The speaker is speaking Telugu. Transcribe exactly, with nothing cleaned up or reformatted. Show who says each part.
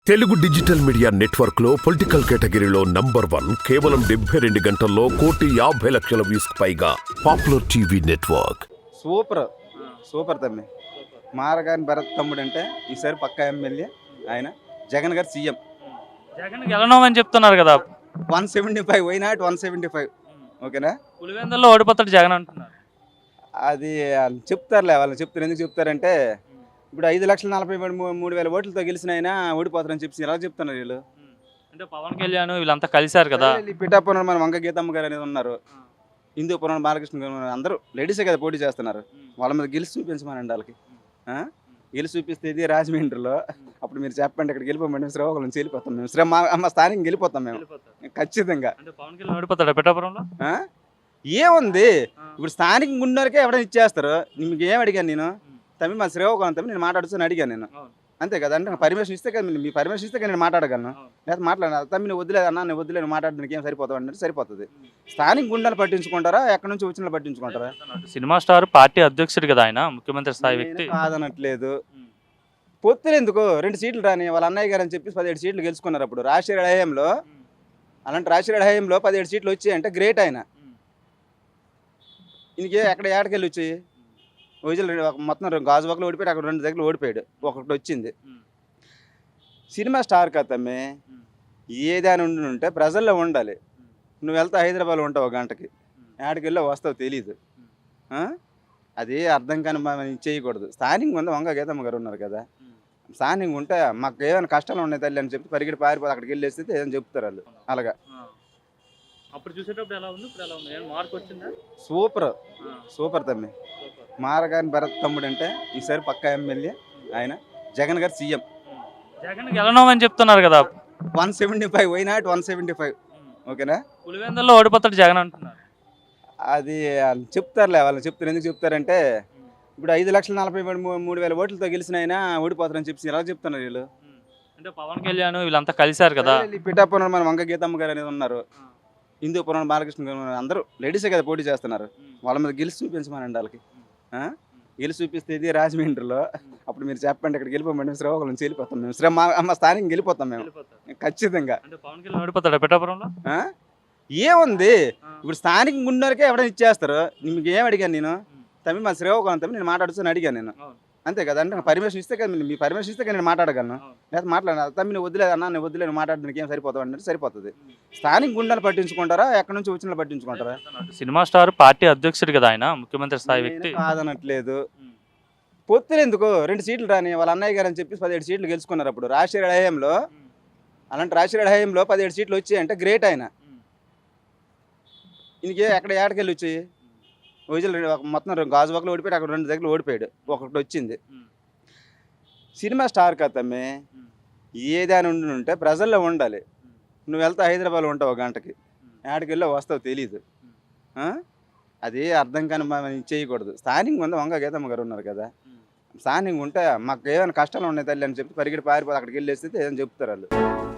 Speaker 1: తెలుగు డిజిటల్ మీడియా నెట్వర్క్ లో పొలిటికల్ కేటగిరీలో నంబర్ వన్ కేవలం డెబ్బై రెండు గంటల్లో కోటి యాభై లక్షల వ్యూస్ పైగా popular TV network.
Speaker 2: Super super తమ్మి. మారగాని భరత్ తమ్ముడు అంటే ఈసారి పక్కా ఎమ్మెల్యే ఆయన. జగన్ గారు సీఎం.
Speaker 3: జగన్ గెలవమని చెప్తున్నారు కదా.
Speaker 2: One seventy five why not one seventy five ఓకేనా.
Speaker 3: పులివెందుల్లో ఓడిపోతాడు జగన్ అంటున్నారు.
Speaker 2: అది వాళ్ళు చెప్తారులే, వాళ్ళు చెప్తారు. ఎందుకు చెప్తారంటే ఇప్పుడు ఐదు లక్షల నలభై మూడు మూడు వేల ఓట్లతో గెలిచిన ఆయన ఓడిపోతారని చెప్పి ఎలా చెప్తున్నారు వీళ్ళు.
Speaker 3: అంటే పవన్ కళ్యాణ్ వీళ్ళంతా కలిశారు కదా.
Speaker 2: పిఠాపురం మన వంగ గీతమ్మ గారు అనేది ఉన్నారు, హిందూపురం బాలకృష్ణ గారు ఉన్నారు, అందరూ లేడీసే కదా పోటీ చేస్తున్నారు. వాళ్ళ మీద గెలిచి చూపించమనండి వాళ్ళకి. గెలిచి చూపిస్తే ఇది రాజమండ్రిలో అప్పుడు మీరు చెప్పండి, ఇక్కడ గెలిపోమండి శ్రీకాకుళం నుంచి వెళ్ళిపోతాం మేము. శ్రీ మా స్థానికంగా వెళ్ళిపోతాం మేము ఖచ్చితంగా.
Speaker 3: అంటే పవన్ కళ్యాణ్ ఓడిపోతాడు పిఠాపురంలో.
Speaker 2: ఏముంది ఇప్పుడు స్థానికంగా ఉన్నోరికే ఎవరైనా ఇచ్చేస్తారు. మీకు ఏం అడిగాను నేను తమ్మి, మా శ్రీకాకుళం తమ్మి నేను మాట్లాడుతూ అడిగాను నేను. అంతే కదా, అంటే పర్మిషన్ ఇస్తే కదా, మీ పర్మిషన్ ఇస్తే నేను మాట్లాడగలను. లేదా మాట్లాడాను తమ్మి నువ్వు వద్దులేదు అన్న, నేను వద్దులేదు మాట్లాడడానికి ఏం సరిపోతావు అంటే సరిపోతుంది. స్థానిక గుండాలు పట్టించుకుంటారా, ఎక్కడి నుంచి వచ్చిన పట్టించుకుంటారా?
Speaker 3: సినిమా స్టార్ పార్టీ అధ్యక్షుడు కదా ఆయన, ముఖ్యమంత్రి స్థాయి వ్యక్తి.
Speaker 2: కాదనట్లేదు, పొత్తులు ఎందుకు, రెండు సీట్లు రాని వాళ్ళ అన్నయ్య గారు అని చెప్పి పదిహేడు సీట్లు గెలుచుకున్నారు అప్పుడు రాజశేఖర హయాంలో. అలాంటి రాజశేఖర హయాంలో పదిహేడు సీట్లు వచ్చాయి అంటే గ్రేట్ ఆయన. ఇంకే ఎక్కడ ఏటకెళ్ళి వచ్చాయి వైజాగ్ మొత్తం గాజువాకలో ఓడిపోయాడు, అక్కడ రెండు దగ్గర ఓడిపోయాడు, ఒకటి వచ్చింది. సినిమా స్టార్ కథమ్మే ఏదైనా ఉండి ఉంటే ప్రజల్లో ఉండాలి. నువ్వు వెళ్తా హైదరాబాద్లో ఉంటావు ఒక గంటకి, ఏటకెళ్ళి వస్తావు తెలీదు. అది అర్థం కానీ మనం చేయకూడదు. స్థానికంగా ఉంది వంగ గీతమ్మ గారు ఉన్నారు కదా, స్థానికంగా ఉంటే మాకు ఏమైనా కష్టాలు ఉన్నాయి తల్లి అని చెప్పి పరిగెడి పారిపోతే అక్కడికి వెళ్ళి వేస్తే ఏదైనా చెప్తారు వాళ్ళు. అలాగా
Speaker 3: అప్పుడు చూసేటప్పుడు ఎలా ఉంది, ఇప్పుడు ఎలా ఉంది, మార్క్ వచ్చిందా?
Speaker 2: సూపర్ సూపర్ తమ్మి. మారగాని భరత్ తమ్ముడు అంటే ఈసారి పక్కా ఎమ్మెల్యే ఆయన. జగన్ గారు సీఎం.
Speaker 3: జగన్ గెలవమని చెప్తున్నారు కదా.
Speaker 2: One seventy five why not one seventy five ఓకేనా.
Speaker 3: పులివెందుల్లో ఓడిపోతాడు జగన్ అంటున్నారు.
Speaker 2: అది వాళ్ళు చెప్తారులే, వాళ్ళు చెప్తారు. ఎందుకు చెప్తారంటే ఇప్పుడు ఐదు లక్షల నలభై మూడు మూడు వేల ఓట్లతో గెలిచిన ఆయన ఓడిపోతారని చెప్పి ఎలా చెప్తున్నారు వీళ్ళు.
Speaker 3: అంటే పవన్ కళ్యాణ్ వీళ్ళంతా కలిశారు కదా.
Speaker 2: పిఠాపురం మన వంగ గీతమ్మ గారు అనేది ఉన్నారు, హిందూపురం బాలకృష్ణ గారు ఉన్నారు, అందరూ లేడీసే కదా పోటీ చేస్తున్నారు. వాళ్ళ మీద గెలిచి చూపించమనండి వాళ్ళకి. గెలిచి చూపిస్తే ఇది రాజమండ్రిలో అప్పుడు మీరు చెప్పండి, ఇక్కడ గెలిపోమండి శ్రీకాకుళం నుంచి వెళ్ళిపోతాం మేము. శ్రీ మా స్థానికంగా వెళ్ళిపోతాం మేము ఖచ్చితంగా.
Speaker 3: అంటే పవన్ కళ్యాణ్ ఓడిపోతాడు పిఠాపురంలో.
Speaker 2: ఏముంది ఇప్పుడు స్థానికంగా ఉన్నోరికే ఎవరైనా ఇచ్చేస్తారు. మీకు ఏం అడిగాను నేను తమ్మి, మా శ్రీకాకుళం తమ్మి నేను మాట్లాడుతూ అడిగాను నేను. అంతే కదా, అంటే పర్మిషన్ ఇస్తే కదా, మీ పర్మిషన్ ఇస్తే నేను మాట్లాడగలను. లేదా మాట్లాడాను తమ్మి నువ్వు వద్దులేదు అన్న, నేను వద్దులేదు మాట్లాడడానికి ఏం సరిపోతావు అంటే సరిపోతుంది. స్థానిక గుండాలు పట్టించుకుంటారా, ఎక్కడి నుంచి వచ్చిన పట్టించుకుంటారా?
Speaker 3: సినిమా స్టార్ పార్టీ అధ్యక్షుడు కదా ఆయన, ముఖ్యమంత్రి స్థాయి వ్యక్తి.
Speaker 2: కాదనట్లేదు, పొత్తులు ఎందుకు, రెండు సీట్లు రాని వాళ్ళ అన్నయ్య గారు అని చెప్పి పదిహేడు సీట్లు గెలుచుకున్నారు అప్పుడు రాజశేఖర హయాంలో. అలాంటి రాజశేఖర హయాంలో పదిహేడు సీట్లు వచ్చాయి అంటే గ్రేట్ ఆయన. ఇంకే ఎక్కడ ఏటకెళ్ళి వచ్చాయి వైజాగ్ మొత్తం గాజువాకలో ఓడిపోయాడు, అక్కడ రెండు దగ్గర ఓడిపోయాడు, ఒకటి వచ్చింది. సినిమా స్టార్ కథమ్మే ఏదైనా ఉండి ఉంటే ప్రజల్లో ఉండాలి. నువ్వు వెళ్తా హైదరాబాద్లో ఉంటావు ఒక గంటకి, ఏటకెళ్ళి వస్తావు తెలీదు. అది అర్థం కానీ మనం చేయకూడదు. స్థానికంగా ఉంది వంగ గీతమ్మ గారు ఉన్నారు కదా, స్థానికంగా ఉంటే మాకు ఏమైనా కష్టాలు ఉన్నాయి తల్లి అని చెప్పి పరిగెడి పారిపోతే అక్కడికి వెళ్ళి వేస్తే ఏదైనా చెప్తారు వాళ్ళు.